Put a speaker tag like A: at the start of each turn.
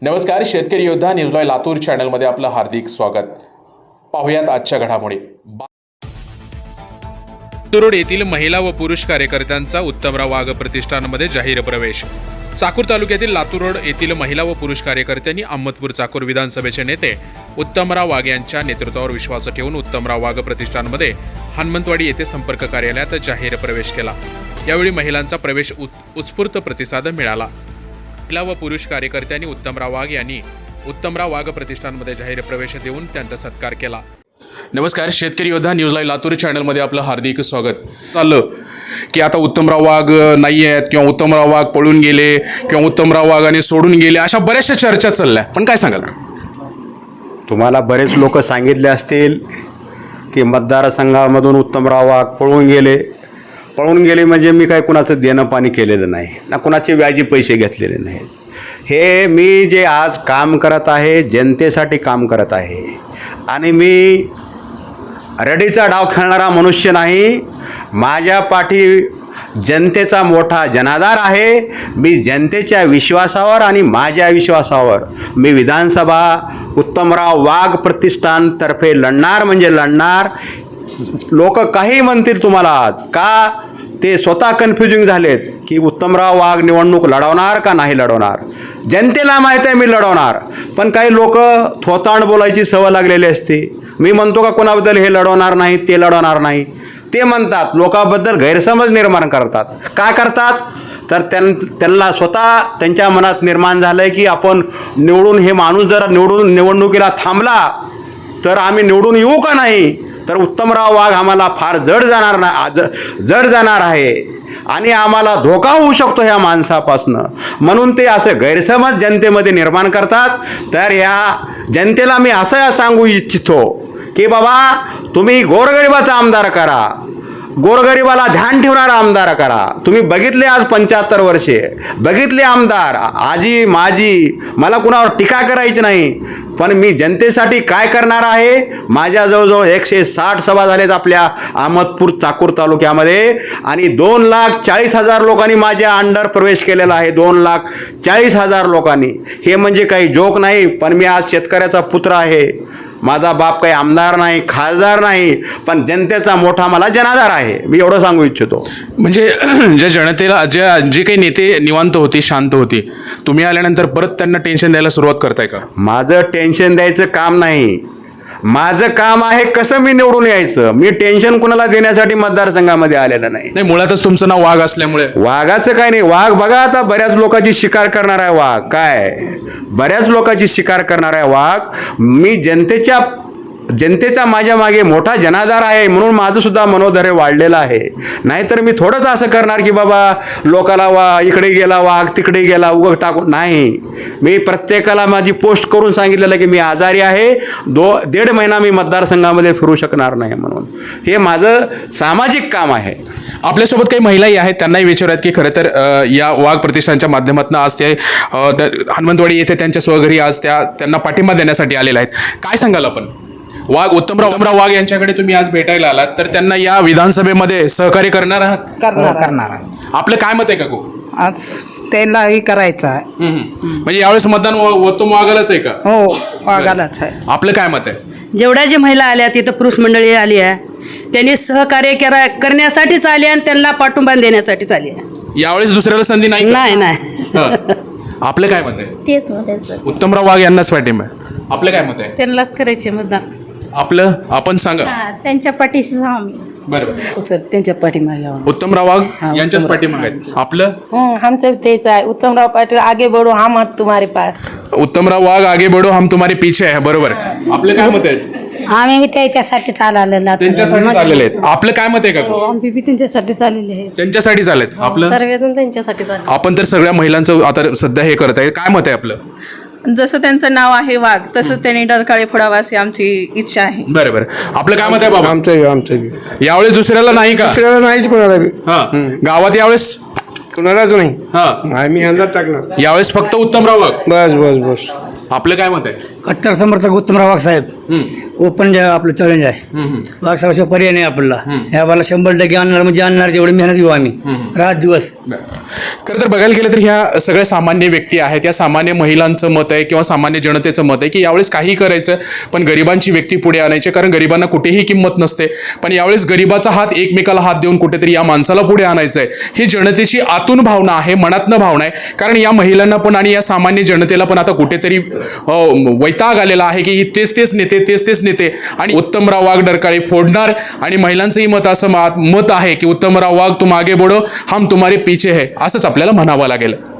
A: नमस्कार, शेतकरी योद्धा न्यूज लाईव्ह लातूर चॅनलमध्ये आपलं हार्दिक स्वागत. पाहुयात आजच्या घडामोडी.
B: लातूर येथील महिला व पुरुष कार्यकर्त्यांचा उत्तमराव वाघ प्रतिष्ठानमध्ये जाहीर प्रवेश. चाकूर तालुक्यातील लातूर रोड येथील महिला व पुरुष कार्यकर्त्यांनी अहमदपूर चाकूर विधानसभेचे नेते उत्तमराव वाघ यांच्या नेतृत्वावर विश्वास ठेवून उत्तमराव वाघ प्रतिष्ठानमध्ये हनुमंतवाडी येथे संपर्क कार्यालयात जाहीर प्रवेश केला. यावेळी महिलांचा प्रवेश उत्स्फूर्त प्रतिसाद मिळाला. महिला व पुरुष कार्यकर्त्यांनी उत्तमराव वाघ प्रतिष्ठानमध्ये जाहीर प्रवेश देऊन त्यांचा सत्कार केला.
A: नमस्कार, शेतकरी योद्धा न्यूज लाईव्ह लातूर चॅनलमध्ये आपलं हार्दिक स्वागत. चाललं की आता उत्तमराव वाघ नाही आहेत किंवा उत्तमराव वाघ पळून गेले किंवा उत्तमराव वाघाने सोडून गेले, अशा बऱ्याचशा चर्चा चालल्या, पण काय सांगाल?
C: तुम्हाला बरेच लोक सांगितले असतील की मतदारसंघामधून उत्तमराव वाघ पळून गेले म्हणजे मी काय कुणाचं देणं पाणी केलेलं नाही ना, कुणाचे व्याजी पैसे घेतलेले नाहीत. हे मी जे आज काम करत आहे जनतेसाठी काम करत आहे आणि मी रडीचा डाव खेळणारा मनुष्य नाही. माझ्या पाठी जनतेचा मोठा जनाधार आहे. मी जनतेच्या विश्वासावर आणि माझ्या विश्वासावर मी विधानसभा उत्तमराव वाघ प्रतिष्ठानतर्फे लढणार म्हणजे लढणार. लोक काही म्हणतील तुम्हाला आज का, ते स्वतः कन्फ्युजिंग झालेत की उत्तमराव वाघ निवडणूक लढवणार का नाही लढवणार. जनतेला माहीत आहे मी लढवणार, पण काही लोक थोतांड बोलायची सवय लागलेली असते. मी म्हणतो का कोणाबद्दल हे लढवणार नाही ते लढवणार नाही, ते म्हणतात, लोकांबद्दल गैरसमज निर्माण करतात. काय करतात तर त्यांना स्वतः त्यांच्या मनात निर्माण झालं आहे की आपण निवडून, हे माणूस जर निवडणुकीला थांबला तर आम्ही निवडून येऊ का नाही, तर उत्तमराव वाघ आम्हाला फार जड जाणार आहे आणि आम्हाला धोका होऊ शकतो ह्या माणसापासनं. म्हणून ते असे गैरसमज जनतेमध्ये निर्माण करतात. तर ह्या जनतेला मी असं सांगू इच्छितो की बाबा, तुम्ही गोरगरिबाचा आमदार करा, गोरगरिबाला ध्यान ठेवणारा आमदार करा. तुम्ही बघितले आज 75 वर्षे बघितले आमदार, आजी माजी, मला कुणावर टीका करायची नाही, पण मी जनतेसाठी काय करणार आहे. माझ्या जवळजवळ 160 सभा झालेत आपल्या अहमदपूर चाकूर तालुक्यामध्ये आणि 2,40,000 लोकांनी माझ्या अंडर प्रवेश केलेला आहे. 2,40,000 लोकांनी. हे म्हणजे काही जोक नाही. पण मी आज शेतकऱ्याचा पुत्र आहे. माझा बाप काही आमदार नाही, खासदार नाही, पण जनतेचा मोठा मला जनाधार आहे. मी एवढं सांगू इच्छितो.
A: म्हणजे ज्या जनतेला जे काही नेते निवांत होती, शांत होती, तुम्ही आल्यानंतर परत त्यांना टेन्शन द्यायला सुरुवात करताय का?
C: माझं टेन्शन द्यायचं काम नाही. माझं काम आहे कसं मी निवडून यायचं. मी टेन्शन कुणाला देण्यासाठी मतदारसंघामध्ये आलेलं नाही.
A: मुळातच तुमचं नाव वाघ असल्यामुळे
C: वाघाचं काय नाही. वाघ बघा, आता बऱ्याच लोकांची शिकार करणार आहे वाघ. काय बऱ्याच लोकांची शिकार करणार आहे वाघ. मी जनतेचा माझ्या मागे मोठा जनाधार आहे, म्हणून माझं सुद्धा मनोधैर्य वाढलेलं आहे. नाहीतर मी थोडंच असं करणार की बाबा लोकाला इकडे गेला वाघ, तिकडे गेला, उगं टाकून नाही. मी प्रत्येकाला माझी पोस्ट करून सांगितलेलं की मी आजारी आहे, 1.5 महिना मी मतदारसंघामध्ये फिरू शकणार नाही. म्हणून हे माझं सामाजिक काम आहे.
A: आपल्यासोबत काही महिलाही आहेत, त्यांनाही विचारूयात की खरं तर या वाघ प्रतिष्ठानच्या माध्यमातून आज ते हनुमंतवाडी येथे त्यांच्या स्वघरी आज त्यांना पाठिंबा देण्यासाठी आलेले आहेत. काय सांगाल आपण? उत्तमराव वाघ यांच्याकडे तुम्ही आज भेटायला आलात, तर त्यांना या विधानसभेमध्ये सहकार्य करणार आहात?
D: करणार.
A: आपलं काय मत आहे का?
D: आज त्यालाही करायचं आहे.
A: म्हणजे यावेळेस मतदान उत्तम वाघालाच आहे का?
D: हो, वाघालाच आहे.
A: आपलं काय मत आहे?
E: जेवढ्या जे महिला आल्या तिथं पुरुष मंडळी आली आहे, त्यांनी सहकार्य करण्यासाठीच आली आणि त्यांना पाठिंबा देण्यासाठीच आली आहे.
A: यावेळेस दुसऱ्याला संधी नाही?
E: नाही.
A: आपलं काय मत आहे?
F: तेच मत आहे सर.
A: उत्तमराव वाघ यांनाच पाठिंबा आहे. आपलं काय मत आहे?
F: त्यांनाच करायचे मतदान.
A: आपलं आपण सांगा.
F: त्यांच्या पाठीशी आम्ही.
A: बरोबर.
E: सर त्यांच्या पाठीमागे
A: उत्तमराव वाघ यांच्याच पाठीमागे आहेत. आपलं
F: आमचं तेच आहे. उत्तमराव पाटील आगे बढो, हम तुम्हारे पास.
A: उत्तमराव वाघ आगे बढो, हम तुम्हारे पीछे आहे. बरोबर. आपलं काय मत आहे?
F: आम्ही त्याच्यासाठी चाललेलो.
A: त्यांच्यासाठी चाललेले आहेत. आपलं काय मत आहे का?
F: आम्ही त्यांच्यासाठी चाललेले आहे.
A: त्यांच्यासाठी चाललेत. आपलं
F: सर्वजण त्यांच्यासाठी चालले.
A: आपण तर सगळ्या महिलांचं आता सध्या हे करत आहे. काय मत आहे आपलं?
G: जसं त्यांचं नाव आहे वाघ, तसं त्यांनी डरकाळी फोडावा अशी आमची इच्छा आहे.
A: बरोबर. आपलं काय मत आहे बाबा?
H: आमचं
A: यावेळेस दुसऱ्याला नाही का?
H: दुसऱ्याला नाहीच कोणाला बी.
A: गावात यावेळेस
H: कोणालाच नाही. आम्ही अंदाज टाकणार.
A: यावेळेस फक्त उत्तमराव वाघ.
H: बस.
A: आपलं काय मत आहे?
H: कट्टर समर्थक उत्तमराव वाघ साहेब ओपन जे आपलं चॅलेंज आहे वाघ साहेब पर्याय नाही आपल्याला ह्या बाला 100% आणणार म्हणजे आणणार जेवढी मेहनत घेऊ आम्ही रात दिवस.
A: खरं तर बघायला गेलं तर ह्या सगळ्या सामान्य व्यक्ती आहेत, या सामान्य महिलांचं मत आहे किंवा सामान्य जनतेचं मत आहे की यावेळेस काही करायचं पण गरिबांची व्यक्ती पुढे आणायची, कारण गरिबांना कुठेही किंमत नसते. पण यावेळेस गरिबाचा हात एकमेकाला हात देऊन कुठेतरी या माणसाला पुढे आणायचं आहे, ही जनतेची आतून भावना आहे, मनातनं भावना आहे. कारण या महिलांना पण आणि या सामान्य जनतेला पण आता कुठेतरी वैताग आलेला आहे की तेच नेते आणि उत्तमराव वाघ डरकाळी फोडणार. आणि महिलांचंही मत असं मत आहे की उत्तमराव वाघ तुम आगे बढ़ो, हम तुम्हारे पीछे है, असंच आपल्याला म्हणावं लागेल.